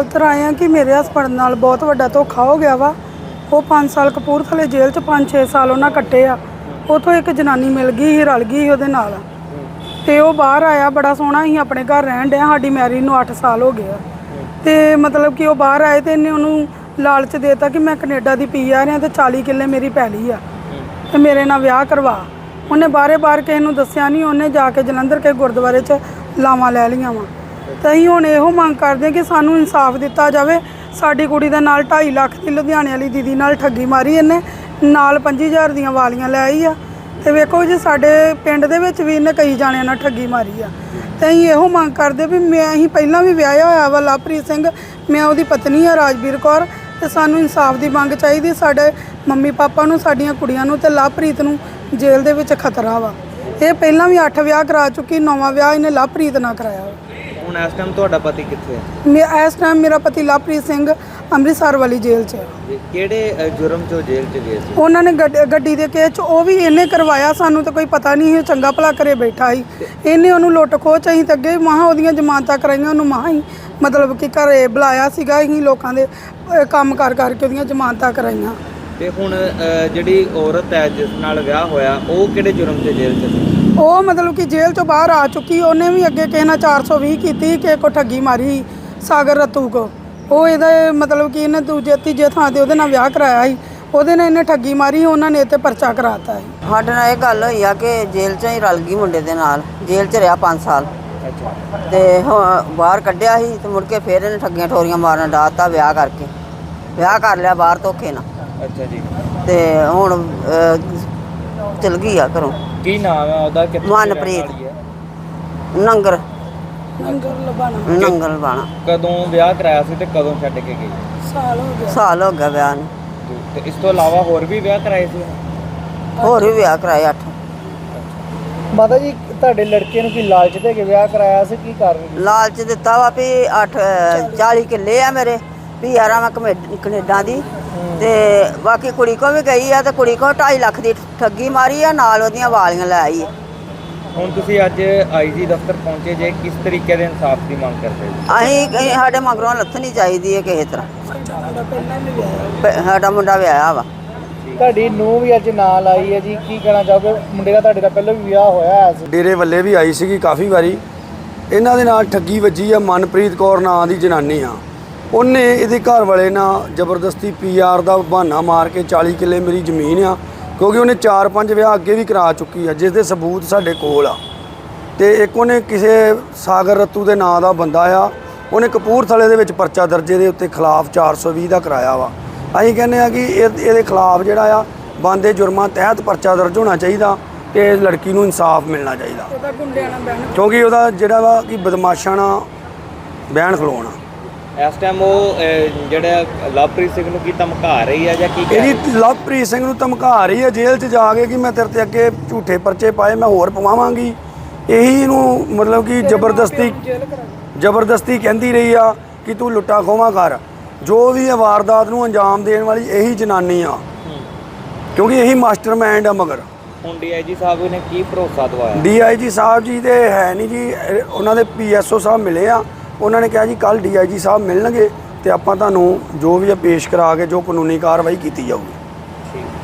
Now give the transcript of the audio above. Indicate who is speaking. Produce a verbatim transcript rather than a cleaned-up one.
Speaker 1: खातर आए हैं कि मेरे हस्बैंड नाल बहुत वड्डा धोखा हो गया वा। वो पाँच साल कपूरथले जेल च पाँच छे साल उन्हें कट्टे आ। उतों एक जनानी मिल गई ही, रल गई उहदे नाल ते वो बाहर आया। बड़ा सोहना ही अपने घर रहन डया। साडी मैरिज नूं अठ साल हो गए ते मतलब कि वो बाहर आए तो इन्हें उन्होंने लालच देता कि मैं कनेडा दी पी आ रहा तो चाली किले मेरी पैली आ ते मेरे नाल विआह करवा। उन्हें बारे बार किसी नूं दस्सिया नहीं। उन्हें जाके जलंधर के गुरुद्वारे च लावां लै लियां वा। तो असीं हुण इहो मंग करदे कि सानूं इंसाफ दिता जाए। साडी कुड़ी दे नाल ढाई लख की लुधियाने वाली दीदी नाल ठगी मारी इन्हें, नाल पंजी हज़ार दियां वालियां लै आई आ। ते वेखो जी साडे पिंड दे विच भी इन्हें कई जाणियां नाल ठगी मारी आ। ते असीं इहो मंग करदे भी मैं असीं पहिलां भी विआहिआ होया वा लवप्रीत सिंह, मैं उहदी पत्नी आ राजवीर कौर। ते सानूं इंसाफ दी मंग चाहीदी। साडे मम्मी पापा नूं, साडीआं कुड़ियां नूं ते लवप्रीत नूं जेल दे विच खतरा वा। ਇਹ ਪਹਿਲਾਂ ਵੀ ਅੱਠ ਵਿਆਹ ਕਰਾ ਚੁੱਕੀ, ਨੌਵਾਂ ਵਿਆਹ ਇਹਨੇ ਲਵਪ੍ਰੀਤ ਨਾਲ ਕਰਾਇਆ।
Speaker 2: ਹੁਣ ਇਸ ਟਾਈਮ ਤੁਹਾਡਾ ਪਤੀ ਕਿੱਥੇ ਹੈ?
Speaker 1: ਮੈਂ ਇਸ ਟਾਈਮ ਮੇਰਾ ਪਤੀ ਲਵਪ੍ਰੀਤ ਸਿੰਘ ਅੰਮ੍ਰਿਤਸਰ ਵਾਲੀ ਜੇਲ੍ਹ 'ਚ ਹੈ।
Speaker 2: ਕਿਹੜੇ ਜੁਰਮ 'ਚੋਂ ਜੇਲ੍ਹ 'ਚ ਗਏ ਸੀ?
Speaker 1: ਉਹਨਾਂ ਨੇ ਗੱਡੀ ਦੇ ਕੇਸ 'ਚ ਉਹ ਵੀ ਇਹਨੇ ਕਰਵਾਇਆ। ਸਾਨੂੰ ਤਾਂ ਕੋਈ ਪਤਾ ਨਹੀਂ ਸੀ, ਚੰਗਾ ਭਲਾ ਘਰੇ ਬੈਠਾ ਸੀ। ਇਹਨੇ ਉਹਨੂੰ ਲੁੱਟ ਖੋਹ 'ਚ ਅਸੀਂ ਤਾਂ ਅੱਗੇ ਮਹਾਂ ਉਹਦੀਆਂ ਜ਼ਮਾਨਤਾਂ ਕਰਾਈਆਂ। ਉਹਨੂੰ ਮਹਾਂ ਹੀ ਮਤਲਬ ਕਿ ਘਰੇ ਬੁਲਾਇਆ ਸੀਗਾ। ਅਸੀਂ ਲੋਕਾਂ ਦੇ ਕੰਮ ਕਰ ਕਰਕੇ ਉਹਦੀਆਂ ਜ਼ਮਾਨਤਾਂ ਕਰਾਈਆਂ।
Speaker 2: ਤੇ ਹੁਣ ਜਿਹੜੀ ਔਰਤ ਹੈ ਜਿਸ ਨਾਲ ਵਿਆਹ ਹੋਇਆ ਉਹ ਕਿਹੜੇ ਜੁਰਮ 'ਚ ਜੇਲ੍ਹ 'ਚ ਸੀ?
Speaker 1: ਉਹ ਮਤਲਬ ਕਿ ਜੇਲ੍ਹ ਤੋਂ ਬਾਹਰ ਆ ਚੁੱਕੀ। ਉਹਨੇ ਵੀ ਅੱਗੇ ਕਿਸੇ ਨਾਲ ਚਾਰ ਸੌ ਵੀਹ ਕੀਤੀ, ਕਿਸੇ ਕੋ ਠੱਗੀ ਮਾਰੀ, ਸਾਗਰ ਰਤੂ ਕੋ। ਉਹ ਇਹਦਾ ਮਤਲਬ ਕਿ ਇਹਨੇ ਦੂਜੇ ਤੀਜੇ ਥਾਂ ਤੇ ਉਹਦੇ ਨਾਲ ਵਿਆਹ ਕਰਾਇਆ ਸੀ। ਉਹਦੇ ਨਾਲ ਇਹਨੇ ਠੱਗੀ ਮਾਰੀ, ਉਹਨਾਂ ਨੇ ਇੱਥੇ ਪਰਚਾ ਕਰਾਤਾ ਹੈ।
Speaker 3: ਸਾਡੇ ਨਾਲ ਇਹ ਗੱਲ ਹੋਈ ਆ ਕਿ ਜੇਲ੍ਹ 'ਚ ਹੀ ਰਲ ਗਈ ਮੁੰਡੇ ਦੇ ਨਾਲ। ਜੇਲ੍ਹ 'ਚ ਰਿਹਾ ਪੰਜ ਸਾਲ ਤੇ ਬਾਹਰ ਕੱਢਿਆ ਸੀ ਤੇ ਮੁੜ ਕੇ ਫਿਰ ਇਹਨੇ ਠੱਗੀਆਂ ਠੋਰੀਆਂ ਮਾਰਨ ਡਾਤਾ ਵਿਆਹ ਕਰਕੇ। ਵਿਆਹ ਕਰ ਲਿਆ ਬਾਹਰ ਧੋਖੇ ਨਾਲ।
Speaker 2: ਅੱਛਾ ਜੀ।
Speaker 3: ਤੇ ਹੁਣ ਚਲ ਗਈ ਆ ਘਰੋਂ।
Speaker 2: ਕੀ ਨਾਮ ਹੈ ਉਹਦਾ?
Speaker 3: ਮਨਪ੍ਰੀਤ ਨੰਗਰ
Speaker 1: ਨੰਗਰ ਲਬਾਣਾ।
Speaker 3: ਨੰਗਲ ਲਬਾਣਾ।
Speaker 2: ਕਦੋਂ ਵਿਆਹ ਕਰਾਇਆ ਸੀ ਤੇ ਕਦੋਂ ਛੱਡ ਕੇ ਗਈ?
Speaker 1: ਸਾਲ ਹੋ ਗਿਆ।
Speaker 3: ਸਾਲ ਹੋ ਗਿਆ ਵਿਆਹ ਨੂੰ।
Speaker 2: ਤੇ ਇਸ ਤੋਂ ਇਲਾਵਾ ਹੋਰ ਵੀ ਵਿਆਹ ਕਰਾਏ ਸੀ?
Speaker 3: ਹੋਰ ਵੀ ਵਿਆਹ ਕਰਾਏ ਅੱਠ।
Speaker 4: ਮਾਤਾ ਜੀ ਤੁਹਾਡੇ ਲੜਕੇ ਨੂੰ ਕੀ ਲਾਲਚ ਦੇ ਕੇ ਵਿਆਹ ਕਰਾਇਆ ਸੀ? ਕੀ ਕਾਰਨ?
Speaker 3: ਲਾਲਚ ਦਿੱਤਾ ਵਾ ਵੀ ਅੱਠ ਚਾਲੀ ਕਿੱਲੇ ਆ ਮੇਰੇ ਵੀ ਯਾਰਾਂ ਮੈਂ ਕਨੇਡਾ ਦੀ ਤੇ ਬਾਕੀ ਕੁੜੀ ਕੋ ਵੀ ਗਈ ਆ ਤੇ ਕੁੜੀ ਕੋ ਢਾਈ ਲੱਖ ਦੀ ਠੱਗੀ ਮਾਰੀ ਆ, ਨਾਲ ਉਹਦੀਆਂ ਵਾਲੀਆਂ ਲੈ ਆਈ ਆ।
Speaker 2: ਹੁਣ ਤੁਸੀਂ ਅੱਜ ਆਈ ਜੀ ਦਫ਼ਤਰ ਪਹੁੰਚੇ ਜੇ, ਕਿਸ ਤਰੀਕੇ ਦੇ ਇਨਸਾਫ ਦੀ ਮੰਗ ਕਰਦੇ ਹੋ?
Speaker 3: ਅਸੀਂ ਸਾਡੇ ਮਗਰੋਂ ਲੱਥਣੀ ਚਾਹੀਦੀ ਹੈ ਕਿਸੇ ਤਰ੍ਹਾਂ। ਸਾਡਾ ਮੁੰਡਾ ਵਿਆਹਿਆ ਵਾ।
Speaker 4: ਤੁਹਾਡੀ ਨੂੰਹ ਵੀ ਅੱਜ ਨਾਲ ਆਈ ਹੈ ਜੀ, ਕੀ ਕਹਿਣਾ ਚਾਹੋਗੇ? ਮੁੰਡੇ ਦਾ ਤੁਹਾਡੇ ਦਾ ਪਹਿਲਾਂ ਵੀ ਵਿਆਹ ਹੋਇਆ ਸੀ।
Speaker 5: ਡੇਰੇ ਵੱਲੇ ਵੀ ਆਈ ਸੀਗੀ ਕਾਫੀ ਵਾਰੀ। ਇਹਨਾਂ ਦੇ ਨਾਲ ਠੱਗੀ ਵੱਜੀ ਆ। ਮਨਪ੍ਰੀਤ ਕੌਰ ਨਾਂ ਦੀ ਜਨਾਨੀ ਆ। ਉਹਨੇ ਇਹਦੇ ਘਰ ਵਾਲੇ ਨਾਲ ਜ਼ਬਰਦਸਤੀ ਪੀ ਆਰ ਦਾ ਬਹਾਨਾ ਮਾਰ ਕੇ ਚਾਲੀ ਕਿੱਲੇ ਮੇਰੀ ਜ਼ਮੀਨ ਆ, ਕਿਉਂਕਿ ਉਹਨੇ ਚਾਰ ਪੰਜ ਵਿਆਹ ਅੱਗੇ ਵੀ ਕਰਾ ਚੁੱਕੀ ਆ ਜਿਸ ਦੇ ਸਬੂਤ ਸਾਡੇ ਕੋਲ ਆ। ਤੇ ਇੱਕ ਉਹਨੇ ਕਿਸੇ ਸਾਗਰ ਰਤੂ ਦੇ ਨਾਂ ਦਾ ਬੰਦਾ ਆ, ਉਹਨੇ ਕਪੂਰਥਲੇ ਦੇ ਵਿੱਚ ਪਰਚਾ ਦਰਜੇ ਦੇ ਉੱਤੇ ਖਿਲਾਫ ਚਾਰ ਸੌ ਵੀਹ ਦਾ ਕਰਾਇਆ ਵਾ। ਅਸੀਂ ਕਹਿੰਦੇ ਆ ਕਿ ਇਹ ਇਹਦੇ ਖਿਲਾਫ ਜਿਹੜਾ ਆ ਬੰਦੇ ਜੁਰਮਾਂ ਤਹਿਤ ਪਰਚਾ ਦਰਜ ਹੋਣਾ ਚਾਹੀਦਾ ਤੇ ਲੜਕੀ ਨੂੰ ਇਨਸਾਫ ਮਿਲਣਾ ਚਾਹੀਦਾ, ਕਿਉਂਕਿ ਉਹਦਾ ਜਿਹੜਾ ਵਾ ਕਿ ਬਦਮਾਸ਼ਾਂ ਨਾਲ ਬਹਿਣ ਖਲੋਣਾ।
Speaker 2: ਇਸ ਟਾਈਮ ਉਹ ਜਿਹੜਾ ਲਵਪ੍ਰੀਤ ਸਿੰਘ ਨੂੰ ਕੀ ਧਮਕਾ ਰਹੀ ਹੈ ਜਾਂ ਕੀ?
Speaker 5: ਇਹਦੀ ਲਵਪ੍ਰੀਤ ਸਿੰਘ ਨੂੰ ਧਮਕਾ ਰਹੀ ਹੈ ਜੇਲ੍ਹ 'ਚ ਜਾ ਕੇ ਕਿ ਮੈਂ ਤੇਰੇ ਤੇ ਅੱਗੇ ਝੂਠੇ ਪਰਚੇ ਪਾਏ, ਮੈਂ ਹੋਰ ਪਵਾਵਾਂਗੀ। ਇਹੀ ਇਹਨੂੰ ਮਤਲਬ ਕਿ ਜ਼ਬਰਦਸਤੀ ਜ਼ਬਰਦਸਤੀ ਕਹਿੰਦੀ ਰਹੀ ਆ ਕਿ ਤੂੰ ਲੁੱਟਾ ਖੋਹਾਂ ਕਰ। ਜੋ ਵੀ ਇਹ ਵਾਰਦਾਤ ਨੂੰ ਅੰਜਾਮ ਦੇਣ ਵਾਲੀ ਇਹੀ ਜਨਾਨੀ ਆ, ਕਿਉਂਕਿ ਇਹੀ ਮਾਸਟਰਮਾਈਂਡ ਆ। ਮਗਰ
Speaker 2: ਹੁਣ ਡੀ ਆਈ ਜੀ ਸਾਹਿਬ ਨੇ ਕੀ ਭਰੋਸਾ ਦਵਾਇਆ?
Speaker 5: ਡੀ ਆਈ ਜੀ ਸਾਹਿਬ ਜੀ ਤੇ ਹੈ ਨਹੀਂ ਜੀ, ਉਹਨਾਂ ਦੇ ਪੀ ਐਸ ਓ ਸਾਹਿਬ ਮਿਲੇ ਆ। ਉਹਨਾਂ ਨੇ ਕਿਹਾ ਜੀ ਕੱਲ੍ਹ ਡੀ ਆਈ ਜੀ ਸਾਹਿਬ ਮਿਲਣਗੇ ਤੇ ਆਪਾਂ ਤੁਹਾਨੂੰ ਜੋ ਵੀ ਆ ਪੇਸ਼ ਕਰਾ ਕੇ ਜੋ ਕਾਨੂੰਨੀ ਕਾਰਵਾਈ ਕੀਤੀ ਜਾਊਗੀ।